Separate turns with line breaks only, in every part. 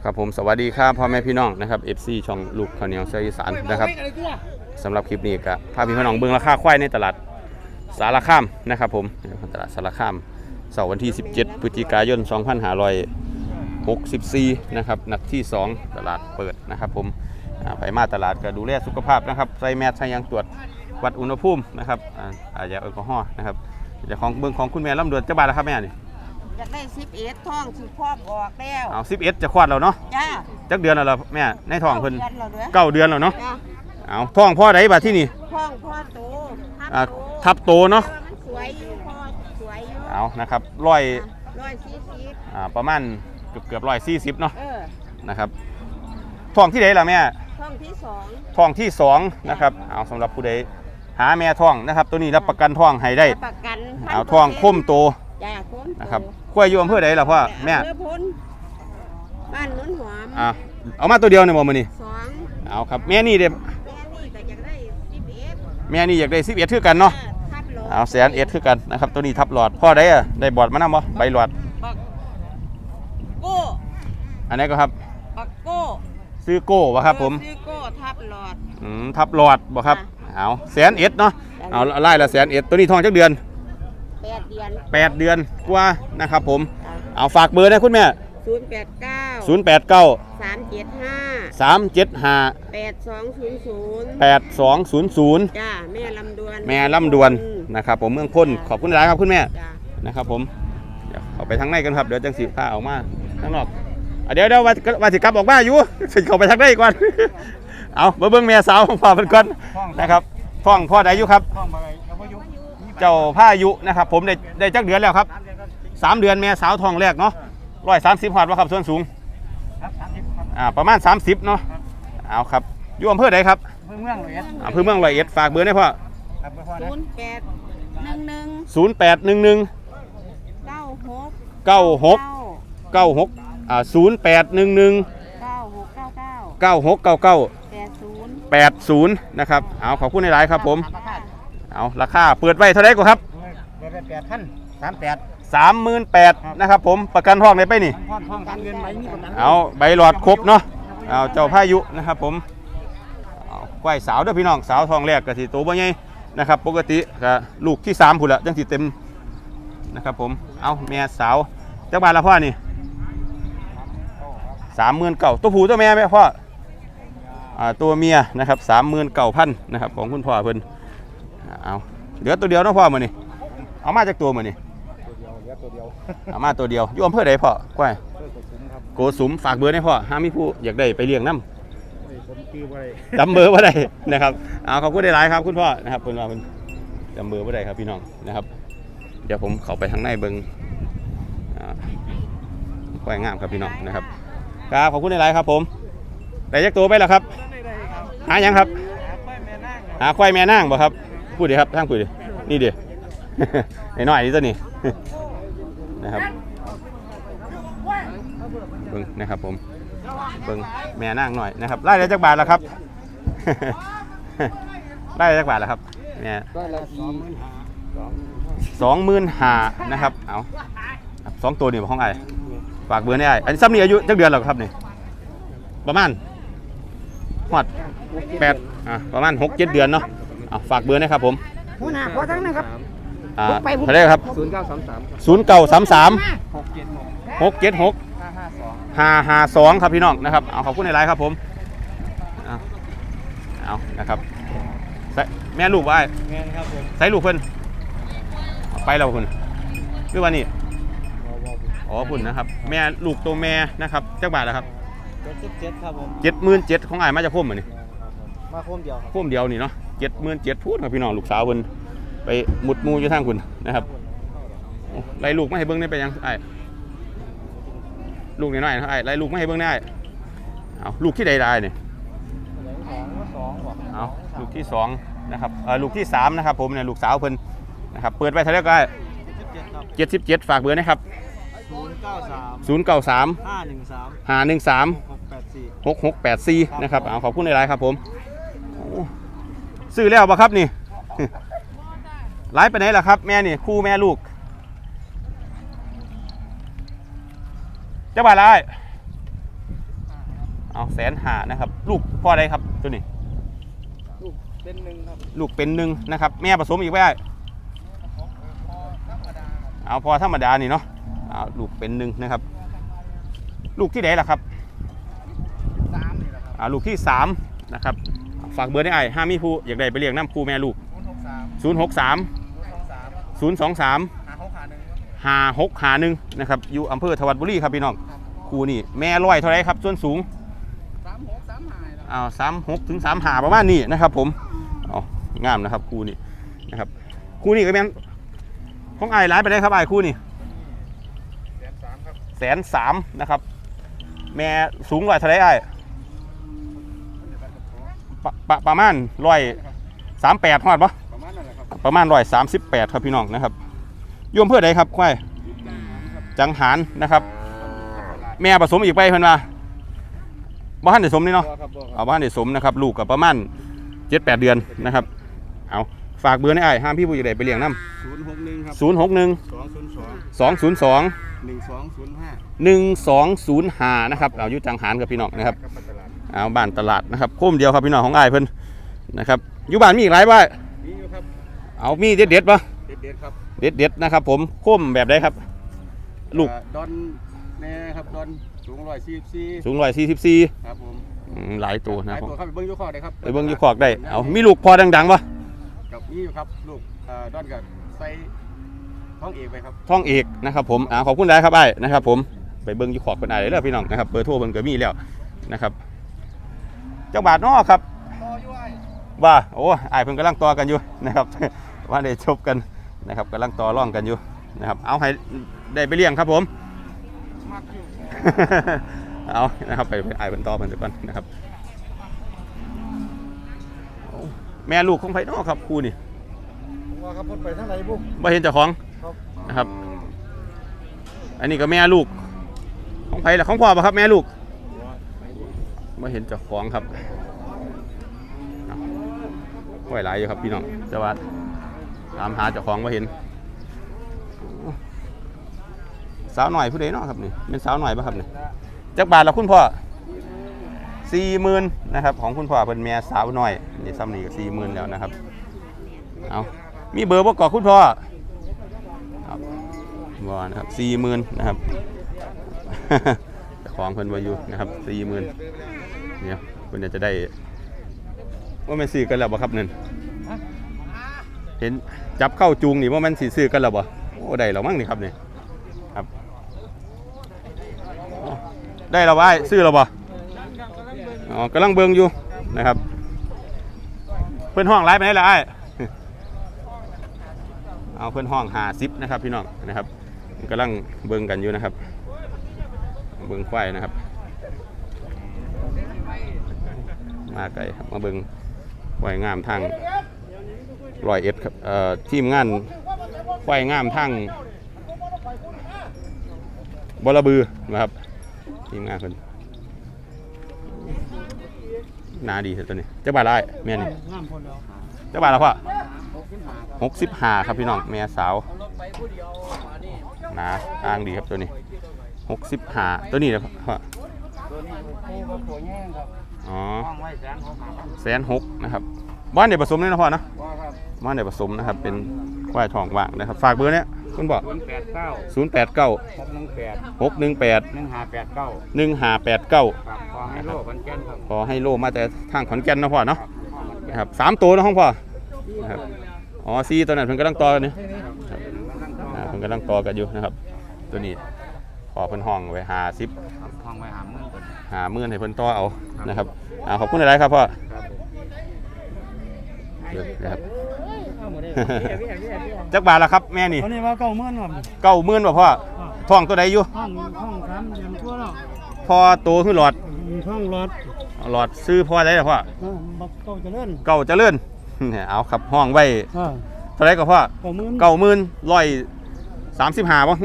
ครับผมสวัสดีครับพ่อแม่พี่น้องนะครับ FC ช่องลูกข้าวเหนียวเสียอีสานนะครับสำหรับคลิปนี้ก็พาพี่น้องเบิ่งราคาควายในตลาดสารคามนะครับผมตลาดสารคามเสาร์วันที่17พฤศจิกายน2564นะครับนัดที่ 2ตลาดเปิดนะครับผมไปมาตลาดก็ดูแลสุขภาพนะครับใส่แมสใส่ยางตรวจวัดอุณหภูมินะครับอาจจะแอลกอฮอล์นะครับเดี๋ยวของเบิ่งของคุณแม่ลำดวนจะบาทแล้วครับแม่นี่
อยากได้11ท้องสิครอบออกแล้ว
เอา11จะคลอดแล้วเนาะ
จ้า
จักเดือนแล้วแม่ในท้องเพิ่น
9 เดือน
แล้วเนาะเอาท้องพ่อใดบัดที่นี่
ท้องพ่อโต
ทับโตเนาะ
มันสวยอยู่พ่อสวยอยู่
เอานะครับ140ประมาณเกือบ140เนาะนะครับท้องที่ใดล่ะแม่
ท้องที่2
ท้องที่2นะครับเอาสำหรับผู้ใดหาแม่ท้องนะครับตัวนี้รับประกันท้องให้ได้
ประกัน
เอาท้องคมโตนะครับควายอยู่อำเภอใดล่ะพ่อแม่
บ้านนุ่นหอม
เอามาตัวเดียวเนี่ยบ่มื้อนี้
2
เอาครับแม่นี่เด้
แม่นี่ก็อยากได้11
แม่นี่อยากได้11คือกันเนาะเอา100,000คือกันนะครับตัวนี้ทับหลอดพ่อได้ได้บอดมานำบ่ใบหลอด
โก้
อันนี้ก็ครับ
บักโก้
ซื้อโก้บ่ครับผม
ซื้อโก้ทับหลอด
ทับหลอดบ่ครับเอา100,000เนาะเอาไล่ละ100,000ตัวนี้ท้องจักเดือน8 เดือนกว่านะครับผมเอาฝากเบอร์นะคุณแม่
089
375 8200
จ้าแม่ล
ำดวนนะครับผมเมืองพ้นขอบคุณหลายครับคุณแม่นะครับผมเดี๋ยวเอาไปทางในกันครับเดี๋ยวจังสีผ้าออกมาข้างนอกเดี๋ยวว่าสิกลับออกมาอยู่สิเข้าไปทางในก่อนเอาเบิ่งแม่สาวของพ่อเพิ่นก่อนนะครับท้องพ่อใดอยู่ครับเจ้าพายุนะครับผมได้จักเดือนแล้วครับ3 เดือนแม่สาวท้องแรกเนาะ130หอดว่าครับส่วนสูงประมาณ30เนาะเอาครับอยู่อำเภอใดครับ
อำเภอเมือง
100ฝากเบอร์ได้พ่อ
0811
96 80 นะครับเอาขอบคุณในไลน์ครับผมเอาราคาเปิดไว้เท่าไหร่ก็ครับ38,000นะครับผมประกันห้องได้ไปนี่เอาใบหลอดครบเนาะเอาเจ้าพายุนะครับผมควายสาวเด้อพี่น้องสาวทองแรกก็สิโตบ่ใหญ่นะครับปกติก็ลูกที่3พุ่นละจังสิเต็มนะครับผมเอาแม่สาวจักบาทละพ่อนี่39,000ตัวผู้ตัวแม่ไหมพ่อตัวเมียนะครับ39,000นะครับของคุณพ่อเพิ่นเอาเหลือตัวเดียวเนาะพ่อมื้อนี้เอามาจากตัวมื้อนี้เอามาตัวเดียวอยู่อำเภอใดพ่อควายโกสุมฝากเบอร์ให้พ่อห้ามีผู้อยากได้ไปเลี้ยงน้ำจำเบอร์ว่าได้นะครับเอาขอบคุณได้หลายครับคุณพ่อนะครับเพิ่นว่าเพิ่นจำเบอร์ว่าได้ครับพี่น้องนะครับเดี๋ยวผมเข้าไปทางในเบิ่งควายงามครับพี่น้องนะครับครับขอบคุณได้หลายครับผมได้ยักตัวไปแล้วครับหายังครับหาควายแม่นางบ่ครับพูดดิครับทางพูดดินี่ดิน้อยนี่ตัวนี้นะครับเบิ่งนะครับผมเบิ่งแม่นางหน่อยนะครับไล่ได้จักบาทแล้วครับไล่ได้จักบาทแล้วครับแม่25,000นะครับเอา2ตัวนี่ของไอ้ฝากเบอร์ได้อันนี้ซ้ำนี่อายุจักเดือนแล้วครับนี่ประมาณฮอด8ประมาณ 6-7 เดือนเนาะเอาฝากเบอร์นะครับผม
หัวหน้าขอทั้งนะครับ
เท่าไหร่ครับ0933 676 552ครับพี่น้องนะครับเอาขอบคุณในไลน์ครับผมเอานะครับแม่ลูกว่าแม่ครับผมใส่ลูกเพิ่นไปแล้วคุณคือว่านี่อ๋อคุณนะครับแม่ลูกตัวแม่นะครับจักบาทแล้วครับ
77ครับผม
77,000ของอ้ายมาจากพุ่มมื้อนี่
มาพุ่มเดียวครับ
พุ่มเดียวนี่เนาะ77,000พูดครับพี่น้องลูกสาวเพิ่นไปหมุดมูอยู่ทางคุณนะครับไล่ลูกมาให้เบิ่งได้ไปยังไอ้ลูกน้อยๆนะไอ้ไล่ลูกมาให้เบิ่งได้เอาลูกที่ใดได้เนี่ยเอาลูกที่2นะครับลูกที่3นะครับผมเนี่ยลูกสาวเพิ่นนะครับเปิดไว้เท่าไหร่ก็ได้77ฝากเบอร์นะครับ093 513 6684นะครับเอาขอบคุณในไลน์ครับผมซื้อแล้วป่ะครับนี่ไลฟ์ไปไหนล่ะครับแม่นี่คู่แม่ลูกจะบาทไรเอา150,000นะครับลูกพ่อใดครับตัวนี้
ลูกเป็นหนึ่งครับ
ลูกเป็นหนึ่งนะครับแม่ผสมอีกไว้เอาพอธรรมดานี่เนาะเอาลูกเป็นหนึ่งนะครับลูกที่ไหนล่ะครับ
3นี่แหละครับ
ลูกที่3นะครับฝากเบอร์ได้ห้ามีผู้อยากได้ไปเลี้ยงน้ำคู่แม่ลูก063 023 5651นะครับอยู่อำเภอทวัดบุรีครับพี่น้องคู่นี่แม่ร้อยเท่าไรครับส่วนสูง36ถึง35ประมาณนี้นะครับผมเอางามนะครับคู่นี้นะครับคู่นี้ก็เป็นของไอ้ร้ายไปได้ครับไอ้คู่นี้130,000นะครับแม่สูงร้อยเท่าไรไอ้ประมาณ138ฮอดปะประมาณ138ครับพี่น้องนะครับโยมเพื่อใดครับควายจังหารนะครับแม่ผสมอีกไปเพิ่นว่าบ้านเด็สมนี่เนาะเอาบ้านเด็สมนะครับลูกกับประมาณ 7-8 เดือนนะครับเอาฝากเบอร์ให้อ้ายห้ามพี่ผู้ใหญ่ไปเลี้ยงน้ำ
061ครับ
061 202 1205นะครับเอาอยู่จังหารกับพี่น้องนะครับเอาบ้านตลาดนะครับโค้มเดียวครับพี่น้องของอ้ายเพิ่นนะครับอยู่บ้านมีอีกหลายบ้านมีอยู่ครับเอามีเด็ดปะเด็ดครับเด็ดนะครับผมโค้มแบบใดครับลูก
ดอนแม่ครับดอนสูง144
สูง144
ครับผม
หลายตัวนะ
หลายตัวครับไปเบิ้งยูคอกได้ครับ
ไปเบิ้งยูคอกได้เอามีลูกพอดังๆปะ
กับนี่อยู่ครับลูกดอนกับใส่ท้องเอกไปครับ
ท้องเอกนะครับผมขอบคุณหลายครับไอ้นะครับผมไปเบิ้งยูคอกเป็นไอ้เลยพี่น้องนะครับเบอร์โทรเบิ้งก็มีแล้วนะครับเจ้าบาทนอครับว่าโอ้ไอ้เพิ่งกำลังต่อกันอยู่นะครับว่าได้จบกันนะครับกำลังต่อร่องกันอยู่นะครับเอาให้ได้ไปเลี้ยงครับผมเอานะครับไปไอ้เป็นต่อมันเดี๋ยวก่อนนะครับแม่ลูกของไผ่นอครับครูนี่
ว่าครับพ้นไปทางไหนบุ๊ก
บ่เห็นเจ้าของนะครับอันนี้ก็แม่ลูกของไผ่ละของพ่อป่ะครับแม่ลูกบ่เห็นเจ้าของครับห้อยหลายอยู่ครับพี่น้องแต่ว่าตามหาเจ้าของบ่เห็นสาวหน่อยผู้ใดเนาะครับนี่เป็นสาวหน่อยป่ะครับนี่จักบาทละคุณพ่อ40,000นะครับของคุณพ่อเป็นแม่สาวหน่อยนี่ซ้ำนี่ก็40,000แล้วนะครับเอามีเบอร์บ่ก่อคุณพ่อครับบ่นะครับ40,000นะครับของเพิ่นบ่อยู่นะครับ40,000เนี่ยเพิ่นจะได้ว่ามันซื้อกันแล้วบ่ครับนั่นเห็นจับเข้าจูงนี่ว่ามันสิซื้อกันแล้วบ่โอ้ได้แล้วมั้งนี่ครับนี่ครับได้แล้วบ่ซื้อแล้วบ่อ๋อกำลังเบิ่งอยู่นะครับเพิ่นห้องไลฟ์ไปไหนล่ะไอ้เอาเพิ่นห้อง50นะครับพี่น้องนะครับกำลังเบิ่งกันอยู่นะครับเบิ่งควายนะครับมาไกลครับมาเบิ่งควายงามทาง101ครับทีมงานควายงามทางบลบือนะครับทีมงานเพิ่นนาดีตัวนี้เจ้าบาทไรแม่นี่เจ้าบาทละพ่อ65ครับพี่น้องแม่สาวนาอ้างดีครับตัวนี้65ตัวนี้นะพ่อ
ตัวนี้ตัวแง่งครับ
อ๋อ
ห้องไว้
160,000นะครับบ้านเด็กผสมนี่นะพ่อนะบ้านเด็กผสมนะครับเป็นควายทองว่างนะครับฝากเบอร์เนี้ยคุณบอก089 618 1589ขอให้โลมาแต่ทางขอนแก่นนะพ่อเนาะนะครับ3ตัวนะห้องพ่อนะครับอ๋อ4ตัวนั้นเพิ่งกำลังต่อกันนี่เพิ่งกำลังต่อกันอยู่นะครับตัวนี้ขอเพิ่นห้องไว้50
ห้องไว้
50,000ให้เพิ่นต่อเอานะครับขอบคุณหลายๆครับพ่อนะครับจักบาทละครับแม่นี่
ตอนนี้ว่า90,000ครับ
90,000บ่พ่อท้องตัวใดอยู่
ห้อง3เดือนทั่วแล้ว
พอโตขึ้นหลอด
ท้อง
หลอดซื้อพ่อได้ล่ะพ่อ
เก่าเจริญ
เนี่ยเอาครับห้องไว้เท่าไหร่ก็พ่อ90,000 135บ่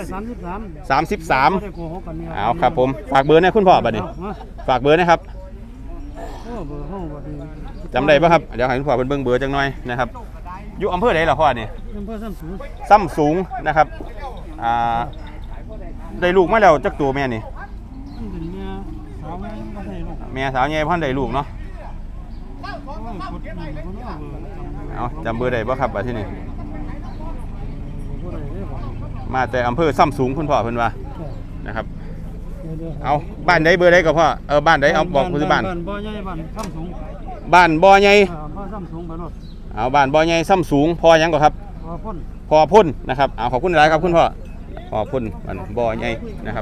133เอาครับผมฝากเบอร์ให้คุณพ่อบัดนี้ฝากเบอร์นะครับจำได้ป่ะครับเดี๋ยวให้คุณพ่อเป็นเบิ่งเบอร์จังหน่อยนะครับอยู่อำเภอไหนล่ะพ่อนี่
อำเภอ
ซ้ำสูงนะครับได้ลูกมาแล้วจักตัวแม่นี่ม่สาวใหญ่พันได้ลูกเนาะเอาจำเบอร์ได้บ่ครับบัดที่นี่มาแต่อำเภอซ้ำสูงคุณพ่อเพิ่นว่านะครับเอาบ้านใดเบอร์ใดก็พ่อบ้านใดเอาบอกปัจจุบัน
บ้านบ่อใหญ่บ้านซ้ำสูง
บ้านบ่อใหญ่
บ้านซ้ำสูงไปรถ
เอาบ้านบ่อใหญ่ซ้ำสูงพอหยังก็ครับ
พอพ่น
พอพ่นนะครับเอาขอบคุณหลายครับคุณพ่อพอพ่นบ้านบ่อใหญ่นะครับ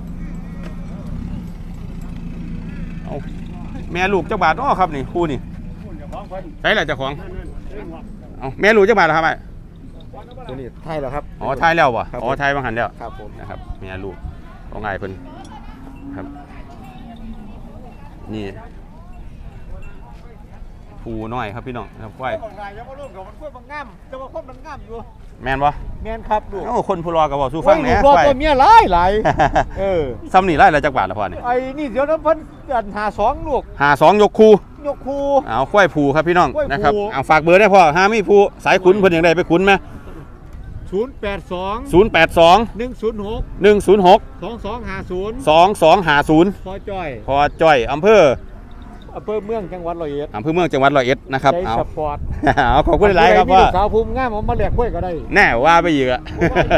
เอาแม่ลูกเจ้าบาทอ้อครับนี่คู่นี่ใช่แหละเจ้าของเอาแม่ลูกเจ้าบาทเหรอครับไอ้
ตัวนี้ไทยเหรอครับ
อ๋อไทยแล้ววะ
ครับ
อ๋อไทยบางหันแล้ว
ครับผม
นะครับแม่ลูกของไอ้เพิ่นครับนี่ผูน้อยครับพี่น้องนะครับควาย
บางรายยังว่าร่วมกับมันกล้วยบางงามจะมาคนมันงามอยู่
แม่นบ่
แมนครับลูก
โอ้คนผู้รอกับบอกสู้ฟังแหน่
รอ
ควาย
ตัวเมียหลายหลายเออ
ซ้ำนี่ไล่ละจักบาทละพ่อนี่
ไอ้นี่เดี๋ยวน้ำเพันหาสองลูก
52ยกคู่
ยกคู
เอาควายผูครับพี่น้อง
ควายผู
นะครับเอาฝากเบอร์ได้พ่อหามีผู้สายขุนเพิ่นอย่างใดไปขุนไหม
082
082
106
106
2250
2250
พอจ้อย
พอจ้อยอำเภอ
อำเภอเมืองจังหวัดร้อยเอ็ด
อำเภอเมืองจังหวัดร้อยเอ็ดนะครับ
ใจ
เอา
สปอร์ต
เอาขอบคุณหลายๆครับ
มี
พ่อ
ลูกสาวภูมิงามผมมาแหลกกล้วยก็ได้
แน่ว่าไปอีกอะ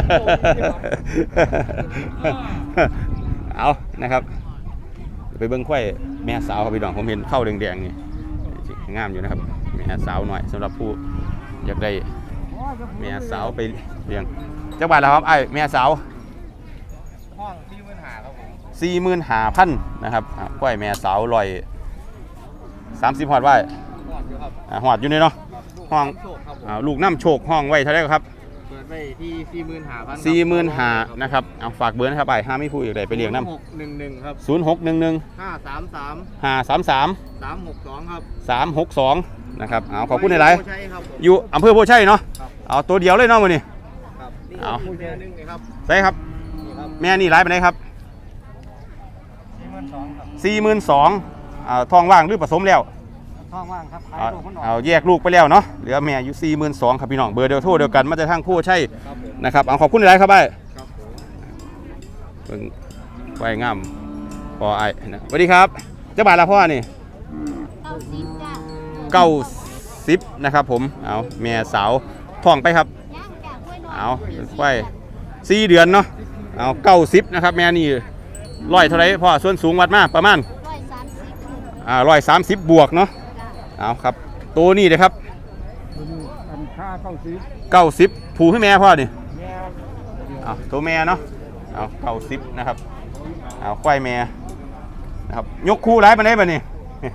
เอานะครับ ไปเบิ้งควายแม่สาวครับพี่น้องผมเห็นเข้าแดงๆนี่งามอยู่นะครับแม่สาวหน่อยสำหรับผู้อยากได้แม่สาวไปเลี้ยงจักบาทแล้วครับไอ้แม่สาว
ห้องที่ปัญหาครับผม
45,000นะครับควายแม่สาว130ฮอดไว้
ห้องอยู่ครับ
หอดอยู่นี่เนาะห้อง
โชคครับผม
ลูกน้ำโชคห้องไว้เท่าไหร่ครับ
เปิดไปที่45,000
45,000นะครับเอาฝากเบอร์นะครับไปห้าไม่พูดอีกเลยไปเลี้ยงน้ำ
611ครับ
0611
533
533
362ครับ
362นะครับเอาขอบคุณหลาย
ใช่ครับผม
ๆอยู่อำเภอโพชัยเนาะ
ครับ
เอาตัวเดียวเลยเนาะมื้อนี้
ครับนี่
เอา
ผู้เดียวนึงนี่ครับ
ใช่ครับ
นี่ครับ
แม่นี่ร้ายไปไหนครับ
42,000ครับ
42,000ทองว่างหรือผสมแล้ว
ท้องว่างครับขาย
เอา
ลูกมันออก
เอาแยกลูกไปแล้วเนาะเหลือแม่อยู่42,000ครับพี่น้องเบอร์เดียวโทรเดียวกันมาจากทางโพชัย
ครับผม
นะครับเอาขอบคุณหลายๆครับไอ้
ครับผม
เบิ่งไว้งามพอไอ้นะสวัสดีครับเจ้าบ่าวละพ่อนี่
90จ้ะ
90นะครับผมเอาแม่สาวท้องไปครับ
ย่างจากกล้วยน้อย
เอาไว้4 เดือนเนาะเอา90นะครับแม่นี่ร้อยเท่าไรพ่อส่วนสูงวัดมาประมาณ130บวกเนาะ
จ้ะ
เอาครับตัวนี้เลยครับ
อันค่าเข้าซื้อ
90ผูให้แม่พ่อนี่
แม่
เอาตัวแม่เนาะเอา90นะครับเอาควายแม่นะครับยกคู่ร้ายมาได้ป่ะนี่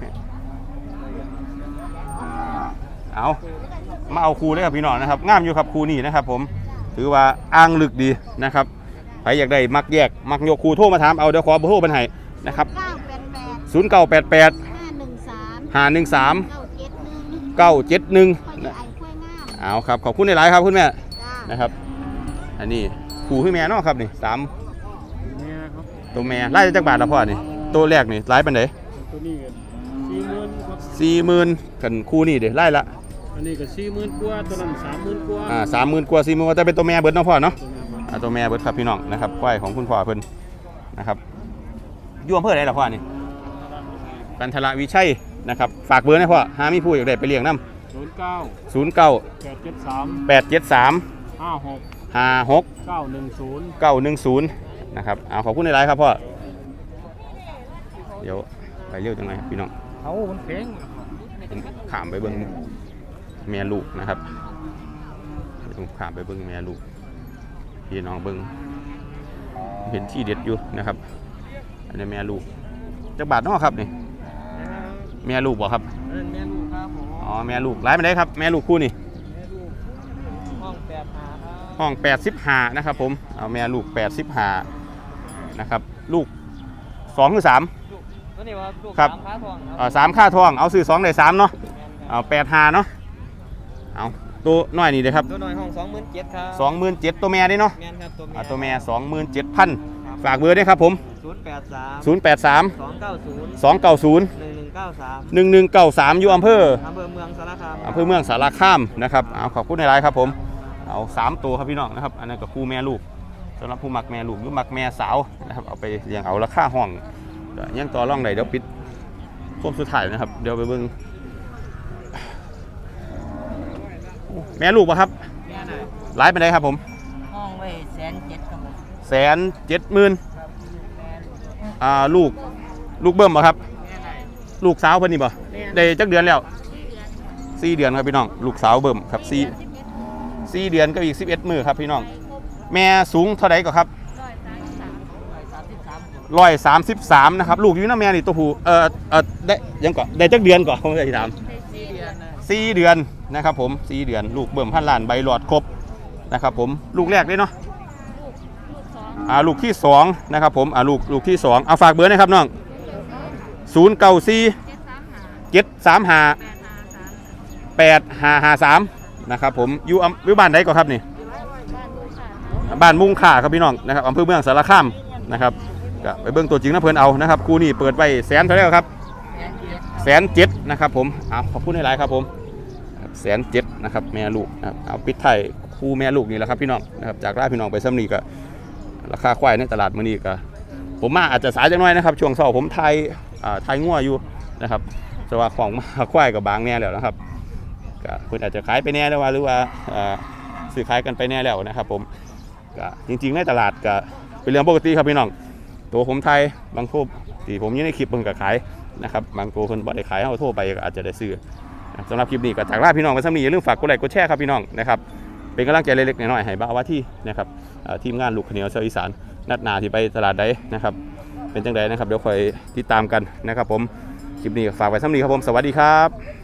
เอามาเอาคู่เลยครับพี่น้องนะครับงามอยู่ครับคู่นี้นะครับผมถือว่าอ้างลึกดีนะครับใครอยากได้มักแยกมักยกคู่โทรมาถามเอาเดี๋ยวขอเบอร์โทรบันไห้นะครับ
988
0988
513
513
971
971
พอจะไอ้กล้วยงาม
เอาครับขอบคุณหลายๆครับคุณแม่
จ้า
นะครับอันนี้คู่ให้แม่เนาะครับนี่3
เนี่ยครับ
ตัวแม่ไล่จักบาทละพ่อนี่ตัวแรกนี่ไล่ปันไหน
ตัวนี้ก็40,000ครับ
40,000กันคู่นี่เดี๋ยวไล่ละ
อันนี้ก็40,000กว่าตัวนั้น30,000กว่า
30,000กว่า40,000กว่าแต่เป็นตัวแม่เบิดเนาะพ่อเนาะ
ตัวนี้ครับ
ตัวแม่เบิดครับพี่น้องนะครับควายของคุณพ่อเพิ่นนะครับอยู่อำเภอไหนล่ะพ่อนี่กันทละวิชัยนะครับฝากเบอร์ให้พ่อหามีผู้อยากได้ไปเลี้ยงน้ำ
09
09
873
873
56
56
910
910นะครับเอาขอบคุณหลายๆครับพ่อเดี๋ยวไปเร็วจังไงครับพี่น้อง
เขามันแข็ง
ผมขามไปเบิ้งแม่ลูกนะครับผมขามไปเบิ้งแม่ลูกพี่น้องเบิ้งเห็นที่เด็ดอยู่นะครับอันนี้แม่ลูกจักบาทเนาะครับนี่แม่ลูกบ่ครับ
แม่ลูกครับผม
อ๋อแม่ลูกร้ายไปได้ครับแม่ลูกคู่นี่
แม่ลูกห้อง85ครับ
ห้อง85นะครับผมเอาแม่ลูก85นะครับลูก2หรือ3
ตัวนี้ว่าลูก
ครับ
3ขาทองครับ
3ค่าทองเอาซื้อ2ได้3เนาะเอา85เนาะเอาตัวน้อยนี่เลยครับ
ตัวน้อยห้อง27,000ครับ
27,000ตัวแม่ได้เนาะ
แม่นครับตัวแม่
ตัวแม่ 27,000ฝากเบอร์ด้วยครับผม
083
083
290
290
1193
1193อยู่อำเภอ
อำเภอเมืองสารคาม
อำเภอเมืองสารคามนะครับเอาขอบคุณในไลน์ครับผมเอา3ตัวครับพี่น้องนะครับอันนั้นก็คู่แม่ลูกสำหรับผู้มักแม่ลูกหรือมักแม่สาวนะครับเอาไปเลี้ยงเอาราคาห้องก็ยังต่อรองได้เดี๋ยวปิดครบสุดท้ายนะครับเดี๋ยวไปเบิ่งแม่ลูกป่ะครับหลายไปไหนครับผม
ห้องไว้170,000ครับผม
170,000ลูกเบิ่มป่ะครับลูกสาวเพิ่นนี่ป่ะได้จักเดือนแล้ว4 เดือนครับพี่น้องลูกสาวเบิ่มครับ4 เดือนก็อีก11 มื้อครับพี่น้องแม่สูงเท่าไหร่ก็ครับ133นะครับลูกอยู่น้าแม่นี่ตัวผู้ได้ยังก่อนได้จักเดือนก่อนผมจะถาม4 เดือนนะครับผม4 เดือนลูกเบิ่มพันล้านใบหลอดครบนะครับผมลูกแรกเลยเนาะลูกที่2นะครับผมลูกที่2เอาฝากเบอร์นะครับน้อง094 735 8553นะครับผมอยู่บ้านไหนก่อนครับนี่บ้านมุงค่าครับพี่น้องนะครับอำเภอเมืองสารคามนะครับก็ไปเบิ่งตัวจริงนะเพิ่นเอานะครับคู่นี้เปิดไว้100,000เท่าไหร่ครับ107,000นะครับผมขอบคุณหลายๆครับผม107,000นะครับแม่ลูกนะครับเอาปิดไทยคู่แม่ลูกนี่แหละครับพี่น้องนะครับจากร้านพี่น้องไปซ้ำนี่ก็ราคาควายในตลาดมื้อนี้ก็ผมมาอาจจะสายจังน้อยนะครับช่วงเช้าผมไทยงัวอยู่นะครับแต่ว่าของมาควายกับบางแน่แล้วนะครับก็คุณอาจจะขายไปแน่แล้วว่าหรือว่าซื้อขายกันไปแน่แล้วนะครับผมก็จริงๆในตลาดก็เป็นเรื่องปกติครับพี่น้องตัวผมไทยบางโทษที่ผมอยู่ในคลิปเพิ่งก็ขายนะครับบางตัวคนบ่ได้ขายเอาโทษไปก็อาจจะได้ซื้อสำหรับคลิปนี้ก็จากลาพี่น้องไปซ้ำนี้อย่าลืมฝากกดไลค์กดแชร์ครับพี่น้องนะครับเป็นกำลังใจเล็กๆน้อยๆให้บ่าวว่าที่นะครับทีมงานลูกขเหนียวเชียวอีสานนัดหนาที่ไปตลาดใดนะครับเป็นจังใดนะครับเดี๋ยวคอยติดตามกันนะครับผมคลิปนี้ฝากไว้ซ้ำนี้ครับผมสวัสดีครับ